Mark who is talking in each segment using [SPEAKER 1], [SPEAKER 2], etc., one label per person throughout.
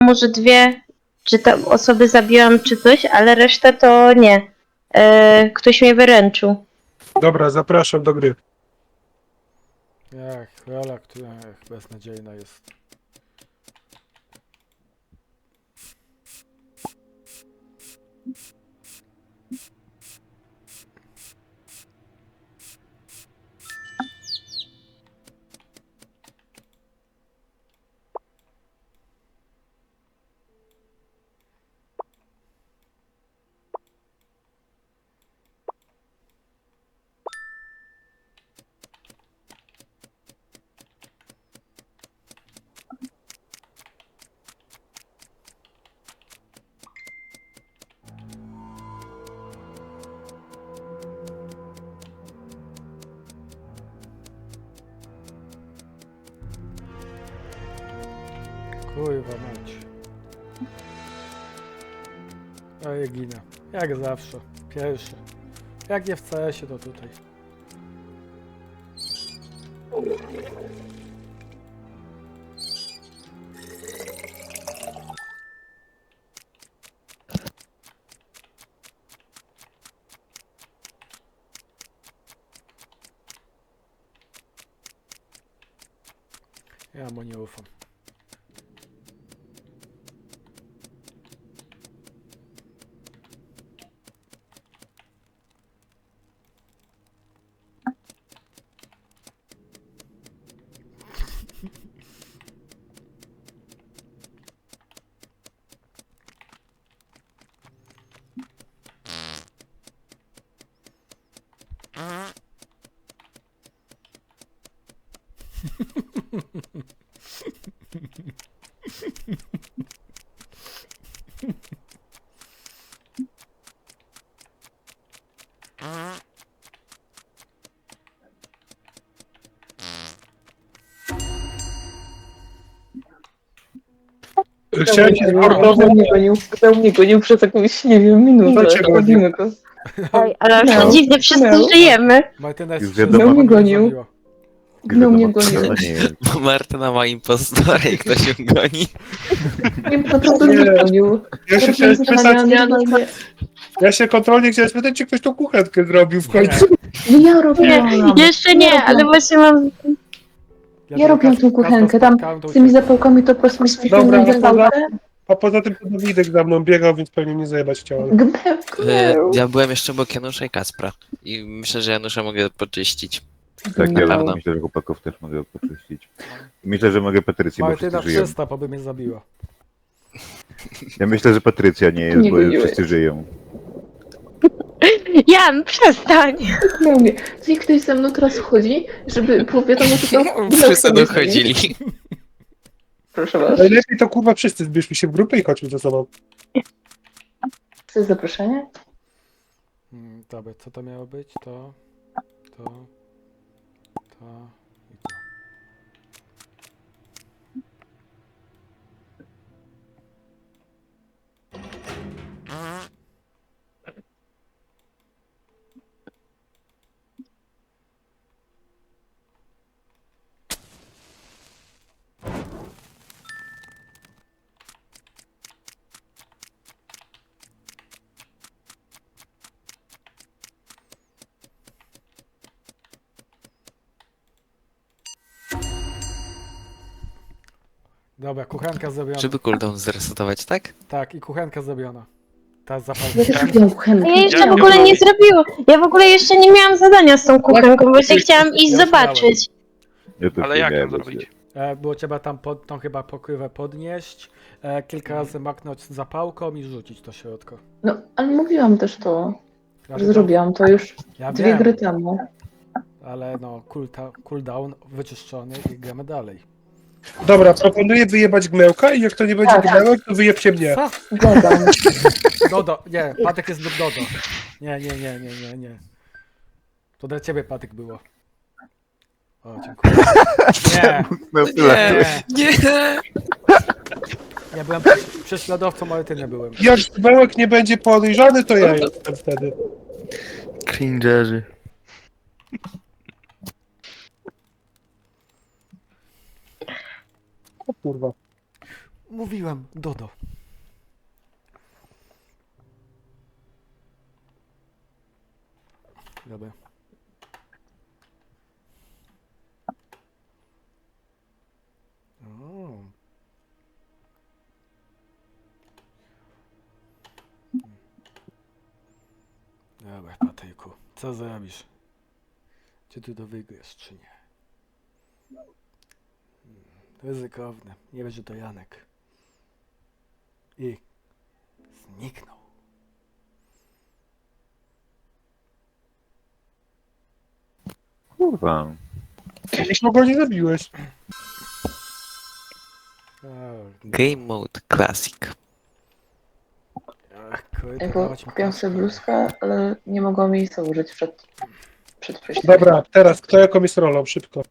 [SPEAKER 1] może dwie, czy tam osoby zabiłam, czy coś, ale resztę to nie. Ktoś mnie wyręczył.
[SPEAKER 2] Dobra, zapraszam do gry.
[SPEAKER 3] Rola, która beznadziejna jest. Kurwa mać. A ja ginę. Jak zawsze. Pierwszy. Jak nie w CS-ie, to tutaj. Ja mu nie ufam.
[SPEAKER 2] Chciałem się sportowo...
[SPEAKER 4] Kto mnie gonił przez jakąś, nie wiem, minutę.
[SPEAKER 2] Kto cię gonił?
[SPEAKER 4] Robimy go.
[SPEAKER 1] Oj, ale
[SPEAKER 4] No.
[SPEAKER 1] no. Dziwnie, wszyscy
[SPEAKER 4] No.
[SPEAKER 1] żyjemy.
[SPEAKER 3] Martynes
[SPEAKER 5] Już
[SPEAKER 3] wszystko
[SPEAKER 5] wiadomo.
[SPEAKER 3] mnie
[SPEAKER 4] Gonił.
[SPEAKER 3] zabiła.
[SPEAKER 4] Gno mnie gonił.
[SPEAKER 5] To nie jest.
[SPEAKER 6] Bo Martyna ma impostora i ktoś ją goni.
[SPEAKER 4] Nie, po prostu mnie gonił.
[SPEAKER 2] Ja się chciałem spytać,
[SPEAKER 4] Nie,
[SPEAKER 2] ja się kontrolnie chciałem spytać, czy ktoś tą kuchenkę zrobił w końcu.
[SPEAKER 4] nie, ja
[SPEAKER 1] Nie,
[SPEAKER 4] robiłam.
[SPEAKER 1] jeszcze nie, ale właśnie mam...
[SPEAKER 4] Ja robiłam tą kuchenkę, tam z tymi zapałkami to po prostu
[SPEAKER 2] Dobra,
[SPEAKER 4] ściągnąłem
[SPEAKER 2] no to
[SPEAKER 4] zapałkę.
[SPEAKER 2] A poza tym to Dawidek za mną biegał, więc pewnie nie zajebać chciałem.
[SPEAKER 4] Gmeł.
[SPEAKER 6] Ja byłem jeszcze obok Janusza i Kacpra. I myślę, że Janusza mogę poczyścić.
[SPEAKER 5] Tak, ja
[SPEAKER 6] Prawda.
[SPEAKER 5] myślę, że chłopaków też mogę poczyścić. Myślę, że mogę Patrycję, bo
[SPEAKER 3] Martyna
[SPEAKER 5] wszyscy żyją.
[SPEAKER 3] czysta, bo by mnie zabiła.
[SPEAKER 5] Ja myślę, że Patrycja nie jest,
[SPEAKER 4] Nie
[SPEAKER 5] bo
[SPEAKER 4] goniłeś.
[SPEAKER 5] wszyscy żyją.
[SPEAKER 1] Jan, przestań!
[SPEAKER 4] Gmeł mnie. Czy ktoś ze mną teraz wchodzi, żeby było wiadomo, że to...
[SPEAKER 6] Wszyscy dochodzili.
[SPEAKER 4] Proszę was.
[SPEAKER 2] Najlepiej to kurwa wszyscy zbierzmy się w grupę i chodźmy ze sobą.
[SPEAKER 4] Chcesz zaproszenie?
[SPEAKER 3] Dobra, co to miało być? To i to. Dobra, kuchenka zrobiona.
[SPEAKER 6] Żeby cooldown zresetować, tak?
[SPEAKER 3] Tak, i kuchenka zrobiona. Ta
[SPEAKER 4] Ja
[SPEAKER 3] zapałka.
[SPEAKER 4] też robiłam kuchenkę.
[SPEAKER 1] Ja jeszcze w ogóle nie zrobiłam. Ja w ogóle jeszcze nie miałam zadania z tą kuchenką, właśnie chciałam iść
[SPEAKER 3] Ja
[SPEAKER 1] zobaczyć.
[SPEAKER 5] Ja też
[SPEAKER 7] Ale
[SPEAKER 5] nie
[SPEAKER 7] jak ją
[SPEAKER 5] miałem
[SPEAKER 7] zrobić?
[SPEAKER 3] Było trzeba tam tą chyba pokrywę podnieść, kilka razy maknąć zapałką i rzucić to środko.
[SPEAKER 4] No, ale mówiłam też to,
[SPEAKER 3] Ja
[SPEAKER 4] że
[SPEAKER 3] wiem,
[SPEAKER 4] zrobiłam to już
[SPEAKER 3] Ja
[SPEAKER 4] 2
[SPEAKER 3] wiem,
[SPEAKER 4] gry temu.
[SPEAKER 3] ale no, cooldown wyczyszczony i gramy dalej.
[SPEAKER 2] Dobra, proponuję wyjebać Gmełka i jak to nie będzie
[SPEAKER 4] Tak.
[SPEAKER 2] Gmełek, to wyjebcie mnie.
[SPEAKER 3] Co?
[SPEAKER 4] Zgadzam.
[SPEAKER 3] Dodo, nie, Patek jest lub Dodo. Nie. To dla ciebie, Patek, było. O, dziękuję. Nie,
[SPEAKER 5] No tyle.
[SPEAKER 3] nie.
[SPEAKER 6] Nie!
[SPEAKER 3] Ja byłem prześladowcą, ale ty nie byłem.
[SPEAKER 2] Jak Gmełek nie będzie podejrzany, to ja jestem wtedy.
[SPEAKER 6] Cringerzy.
[SPEAKER 2] O kurwa.
[SPEAKER 3] Mówiłem, Dodo. Dobra. O. Dobra, Patryku, co zrobisz? Czy ty to wygrasz, czy nie? Ryzykowne. Nie wiem, że to Janek. I zniknął.
[SPEAKER 5] Kurwa.
[SPEAKER 2] Już go nie zabiłeś.
[SPEAKER 6] Game Mode Classic.
[SPEAKER 3] Ach, kurde,
[SPEAKER 4] Jako
[SPEAKER 3] dawać mi
[SPEAKER 4] kupiłam
[SPEAKER 3] kaskę.
[SPEAKER 4] sobie bluzkę, ale nie mogłam jej założyć przed przejściem.
[SPEAKER 2] Dobra, teraz kto jaką jest rolą? Szybko.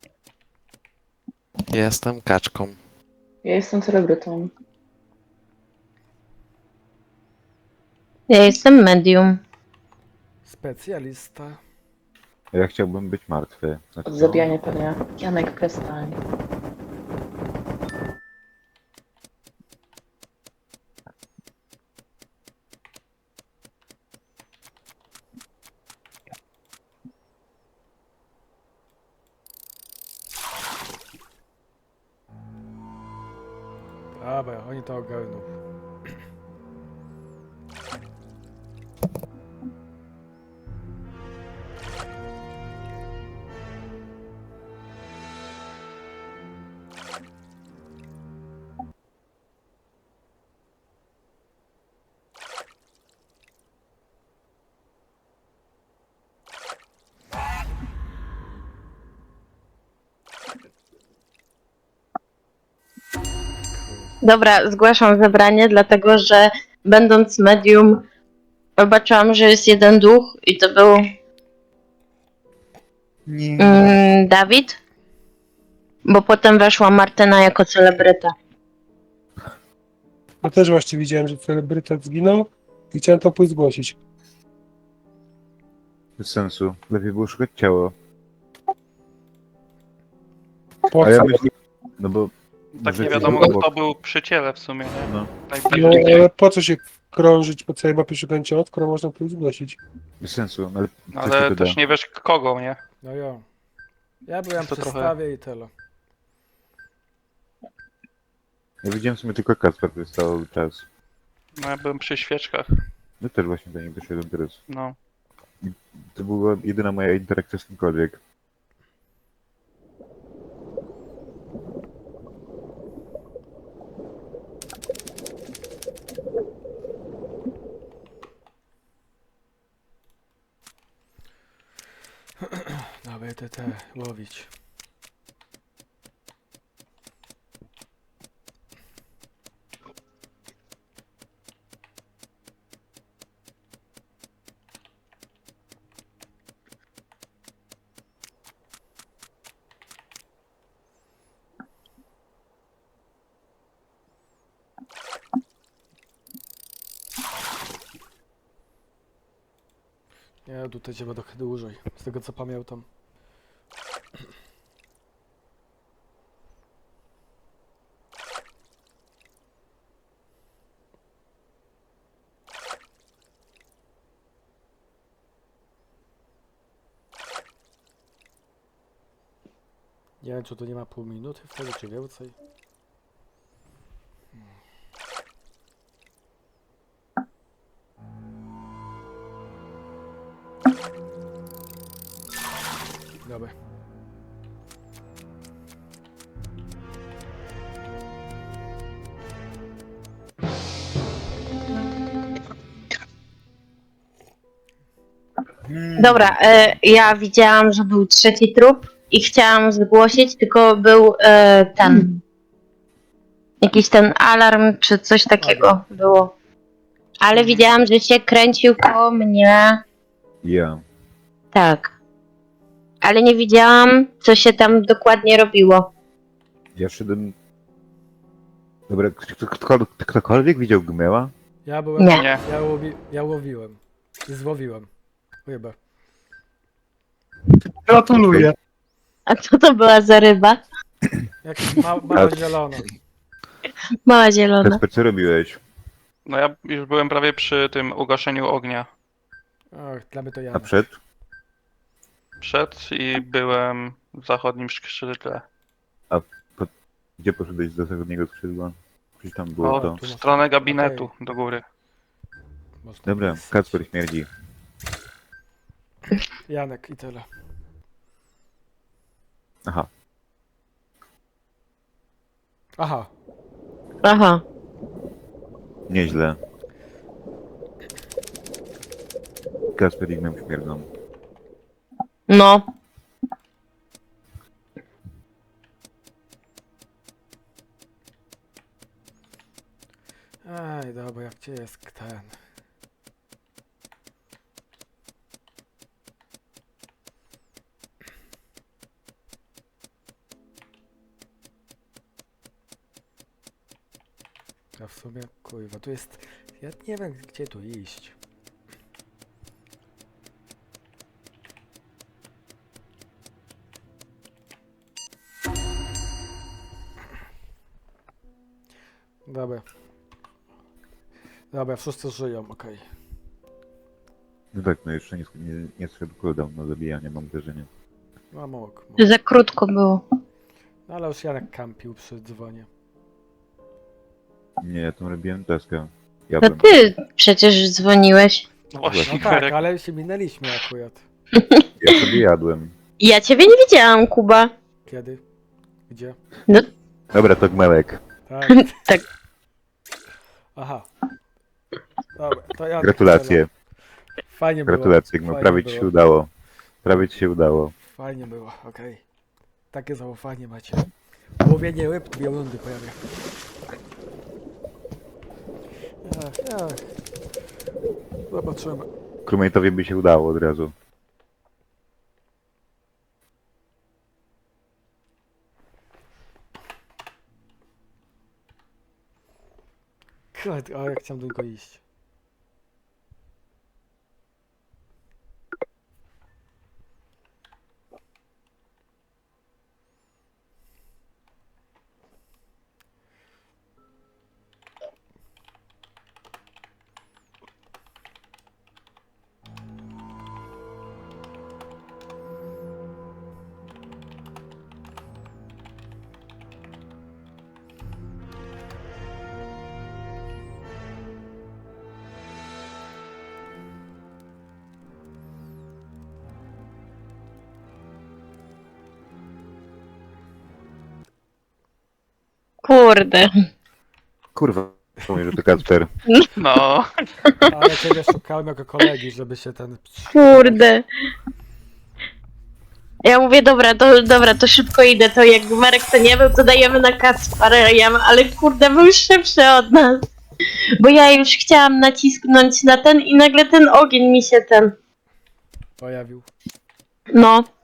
[SPEAKER 6] Jestem kaczką.
[SPEAKER 4] Ja jestem celebrytą.
[SPEAKER 1] Ja jestem medium.
[SPEAKER 3] Specjalista.
[SPEAKER 5] Ja chciałbym być martwy. Znaczy,
[SPEAKER 4] Od zabijania pewnie. Janek, przestań.
[SPEAKER 3] Dobra, oni to ogarną.
[SPEAKER 1] Dobra, zgłaszam zebranie, dlatego że będąc medium zobaczyłam, że jest jeden duch i to był
[SPEAKER 2] Nie.
[SPEAKER 1] Dawid, bo potem weszła Martyna jako celebryta.
[SPEAKER 2] Ja też właśnie widziałem, że celebrytet zginął i chciałem to pójść zgłosić.
[SPEAKER 5] Bez sensu. Lepiej było szukać ciało.
[SPEAKER 2] Po
[SPEAKER 5] A ja
[SPEAKER 2] co?
[SPEAKER 5] myślę... No bo...
[SPEAKER 7] Tak
[SPEAKER 5] może
[SPEAKER 7] nie
[SPEAKER 5] coś
[SPEAKER 7] wiadomo,
[SPEAKER 5] obok.
[SPEAKER 7] kto był przy ciele w sumie, nie?
[SPEAKER 5] No.
[SPEAKER 7] Tak,
[SPEAKER 2] No, ale po co się krążyć po całej mapie szukając ciała, skoro można pójść zgłosić?
[SPEAKER 5] Bez sensu, ale... co ci
[SPEAKER 7] ale
[SPEAKER 5] to
[SPEAKER 7] też
[SPEAKER 5] da?
[SPEAKER 7] nie wiesz kogo, nie?
[SPEAKER 3] No jo. Ja byłem
[SPEAKER 7] To
[SPEAKER 3] przy
[SPEAKER 7] trochę-
[SPEAKER 3] stawie i tyle.
[SPEAKER 5] Ja widziałem w sumie tylko Kacper przez cały czas.
[SPEAKER 7] No ja byłem przy świeczkach,
[SPEAKER 5] No też właśnie do niej doszedłem teraz.
[SPEAKER 7] no.
[SPEAKER 5] To była jedyna moja interakcja z kimkolwiek.
[SPEAKER 3] Dobra, te łowić. Nie, tutaj trzeba trochę dłużej, z tego co pamiętam. Nie wiem, czy tu nie ma pół minuty wtedy, czy więcej. Dobra.
[SPEAKER 1] Dobra, ja widziałam, że był trzeci trup i chciałam zgłosić, tylko był ten. Jakiś ten alarm czy coś takiego było. Ale widziałam, że się kręcił koło mnie.
[SPEAKER 5] Ja.
[SPEAKER 1] Tak. Ale nie widziałam, co się tam dokładnie robiło.
[SPEAKER 5] Ja szedłem... Dobra, ktokolwiek widział Gmeła?
[SPEAKER 3] Ja byłem.
[SPEAKER 1] Nie.
[SPEAKER 7] Nie.
[SPEAKER 3] Ja łowiłem. I złowiłem. Chyba.
[SPEAKER 2] Gratuluję.
[SPEAKER 1] A co to była za ryba?
[SPEAKER 3] Jak mała zielona.
[SPEAKER 1] Mała zielona.
[SPEAKER 5] Kasper, co robiłeś?
[SPEAKER 7] No ja już byłem prawie przy tym ugaszeniu ognia.
[SPEAKER 3] Och, dla mnie to
[SPEAKER 5] A
[SPEAKER 3] Janek.
[SPEAKER 5] przed?
[SPEAKER 7] Przed i byłem w zachodnim skrzydle.
[SPEAKER 5] Gdzie poszedłeś do zachodniego skrzydła? Przecież tam było
[SPEAKER 7] O,
[SPEAKER 5] to.
[SPEAKER 7] w stronę gabinetu do góry.
[SPEAKER 3] Można
[SPEAKER 5] Dobra,
[SPEAKER 3] pisać.
[SPEAKER 5] Kasper śmierdzi.
[SPEAKER 3] Janek i tyle.
[SPEAKER 5] Aha.
[SPEAKER 3] Aha,
[SPEAKER 1] Aha.
[SPEAKER 5] Nieźle. Kasper i Gnem śmierdzą.
[SPEAKER 1] No.
[SPEAKER 3] ej, dobra, jak gdzie jest ten? A w sumie, kurwa, tu jest... Ja nie wiem, gdzie tu iść. Dobra. Dobra, wszyscy żyją, okej.
[SPEAKER 5] No tak, no jeszcze nie zszedł cooldown na zabijanie, mam wrażenie.
[SPEAKER 3] No mógł.
[SPEAKER 1] Za krótko było.
[SPEAKER 3] No ale już Janek kampił przy dzwonie.
[SPEAKER 5] Nie, ja tam robiłem taskę. Ja
[SPEAKER 1] To
[SPEAKER 5] bym...
[SPEAKER 1] ty przecież dzwoniłeś.
[SPEAKER 7] No właśnie,
[SPEAKER 3] No tak,
[SPEAKER 7] Karek.
[SPEAKER 3] ale się minęliśmy akurat.
[SPEAKER 5] Ja sobie jadłem.
[SPEAKER 1] Ja ciebie nie widziałam, Kuba.
[SPEAKER 3] Kiedy? Gdzie?
[SPEAKER 5] Dobra, to Gmełek.
[SPEAKER 3] Tak.
[SPEAKER 1] Tak.
[SPEAKER 3] Aha. Dobra, to Janek.
[SPEAKER 5] Gratulacje.
[SPEAKER 3] Fajnie było.
[SPEAKER 5] Gratulacje, Gmeł.
[SPEAKER 3] Fajnie
[SPEAKER 5] Prawie ci
[SPEAKER 3] było.
[SPEAKER 5] się udało. Prawie ci się udało.
[SPEAKER 3] Fajnie było, okej. Takie zaufanie macie. Łowienie ryb, 2 rundy pojawia. Ach. Zobaczymy.
[SPEAKER 5] Crewmate'owi by się udało od razu.
[SPEAKER 3] Kurde, o, jak chciałem do niego iść.
[SPEAKER 1] Kurde.
[SPEAKER 5] Kurwa, powiem, że to Kasper.
[SPEAKER 7] No,
[SPEAKER 3] Ale ciebie szukałem jako kolegi, żeby się ten...
[SPEAKER 1] Kurde. Ja mówię, dobra, to szybko idę, to jak Marek to nie był, to dajemy na Kaspara, ale kurde, był szybszy od nas. Bo ja już chciałam nacisknąć na ten i nagle ten ogień mi się ten...
[SPEAKER 3] Pojawił.
[SPEAKER 1] No.